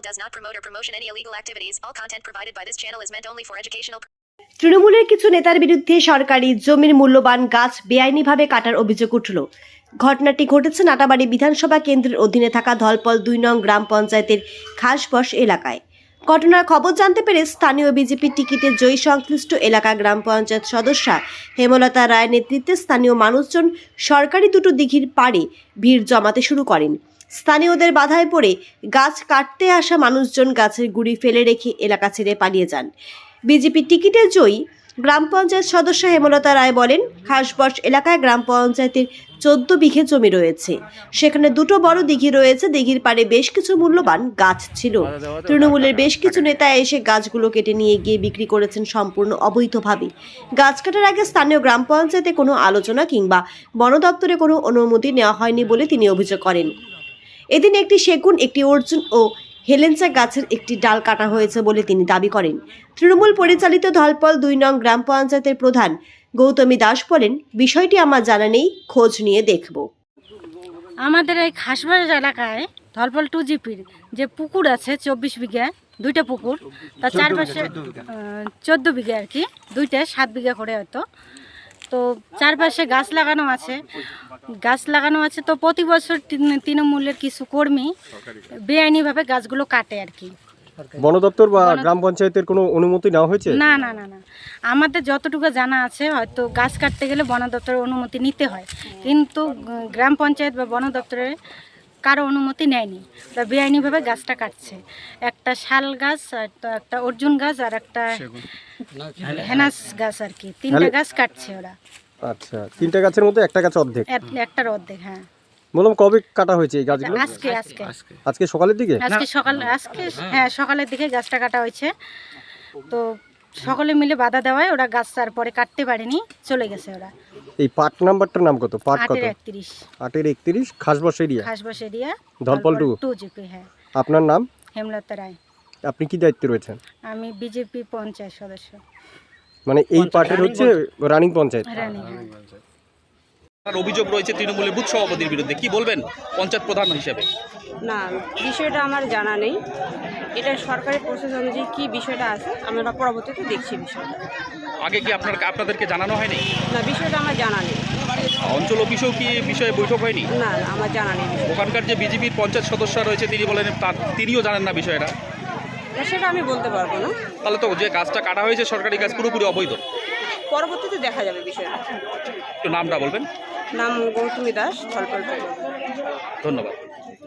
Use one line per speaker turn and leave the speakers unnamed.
channel does not promote or promotion any illegal activities. All content provided by this channel is meant only for educational.
তৃণমূলের কিছু নেতার বিরুদ্ধে সরকারি জমির মূল্যবান গাছ বেআইনিভাবে কাটার অভিযোগ উঠল। ঘটনাটি ঘটেছে নাটাবাড়ি বিধানসভা কেন্দ্রের অধীনে থাকা ধলপল 2 নং গ্রাম পঞ্চায়েতের খাসবস এলাকায়। ঘটনার খবর জানতে পেরে স্থানীয় বিজেপি টিকিটে জয়ী সংশ্লিষ্ট এলাকা গ্রাম পঞ্চায়েত সদস্যা হেমলতা রায়ের নেতৃত্বে স্থানীয় মানুষজন সরকারি দুটো দিঘির পাড়ে ভিড় জমাতে শুরু করেন। স্থানীয়দের বাধায় পড়ে গাছ কাটতে আসা মানুষজন গাছের গুঁড়ি ফেলে রেখে এলাকা ছেড়ে পালিয়ে যান। বিজেপি টিকিটে জয়ী গ্রাম পঞ্চায়েত সদস্য হেমলতা রায় বলেন, খাসবস এলাকায় গ্রাম পঞ্চায়েতের 14 বিঘে জমি রয়েছে। সেখানে দুটো বড় দিঘি রয়েছে। দিঘির পাড়ে বেশ কিছু মূল্যবান গাছ ছিল। তৃণমূলের বেশ কিছু নেতা এসে গাছগুলো কেটে নিয়ে গিয়ে বিক্রি করেছেন সম্পূর্ণ অবৈধভাবে। গাছ কাটার আগে স্থানীয় গ্রাম পঞ্চায়েতে কোনো আলোচনা কিংবা বন দপ্তরে কোনো অনুমতি নেওয়া হয়নি বলে তিনি অভিযোগ করেন। এদিন একটি সেগুন, একটি অর্জুন ও হেলেঞ্চা গাছের একটি ডাল কাটা হয়েছে বলে তিনি দাবি করেন। তৃণমূল পরিচালিত ধলপল 2 নং গ্রাম পঞ্চায়েতের প্রধান গৌতমী দাস বলেন, বিষয়টি আমার জানা নেই, খোঁজ নিয়ে দেখব।
আমাদের এই খাসবাস এলাকায় ধলপল 2 জিপির যে পুকুর আছে 24 বিঘা, দুইটা পুকুর, তার চারপাশে 14 বিঘা আর কি, দুইটা 7 বিঘা করে হয়তো। তো চারপাশে গাছ লাগানো আছে। তো প্রতি বছর তৃণমূলের কিছু কর্মী বেআইনিভাবে গাছগুলো কাটে আর কি।
বন দপ্তর বা গ্রাম পঞ্চায়েতের কোনো অনুমতি নেওয়া হয়েছে?
না, আমাদের যতটুকু জানা আছে হয়তো গাছ কাটতে গেলে বন দপ্তরের অনুমতি নিতে হয়, কিন্তু গ্রাম পঞ্চায়েত বা বন দপ্তরের কারো অনুমতি নেয়নি। ওরা বেআইনিভাবে গাছটা কাটছে। একটা শাল গাছ, একটা অর্জুন গাছ আর একটা হেনাস গাছ আর কি, 3টা গাছ কাটছে ওরা।
আচ্ছা, 3টা গাছের মধ্যে একটা গাছ অর্ধেক,
একটার অর্ধেক। হ্যাঁ,
বললাম কবে কাটা হয়েছে এই গাছগুলো? আজকে সকালের দিকে। হ্যাঁ, সকালের দিকে গাছটা কাটা হয়েছে। তো সকলে মিলে বাধা দেওয়ায় ওরা গাছ তারপরে কাটতে পারেনি, চলে গেছে ওরা। এই পার্ট নাম্বারটার নাম কত? পার্ট কত?
8-31
খাসবস এরিয়া ধলপল 2
জিপি। হ্যাঁ। আপনার
নাম?
হেমলতা রায়।
আপনি কি দায়িত্বে রয়েছেন?
আমি বিজেপি পঞ্চায়েত সদস্য।
মানে এই পার্টের হচ্ছে রানিং পঞ্চায়েত।
আর অভিযোগ রয়েছে তৃণমূলের বুথ সভাপতির বিরুদ্ধে, কি বলবেন পঞ্চায়েত প্রধান হিসেবে?
না, বিষয়টা আমার জানা নেই। এটা সরকারি প্রসেস অনুযায়ী কী বিষয়টা আছে আমরা পরবর্তীতে দেখছি বিষয়টা।
আগে কি আপনাদেরকে জানানো হয়নি?
না, বিষয়টা আমার জানা নেই।
অঞ্চল অফিসেও কি বিষয়ে বৈঠক হয়নি?
না, আমার জানা নেই।
ওখানকার যে বিজেপির পঞ্চায়েত সদস্য রয়েছে তিনি বলেন তিনিও জানেন না বিষয়টা।
সেটা আমি বলতে পারবো না।
তাহলে তো যে গাছটা কাটা হয়েছে সরকারি গাছ পুরোপুরি অবৈধ।
পরবর্তীতে দেখা যাবে বিষয়টা।
একটু নামটা বলবেন?
নাম গৌতমী দাস, ধলপল।
ধন্যবাদ।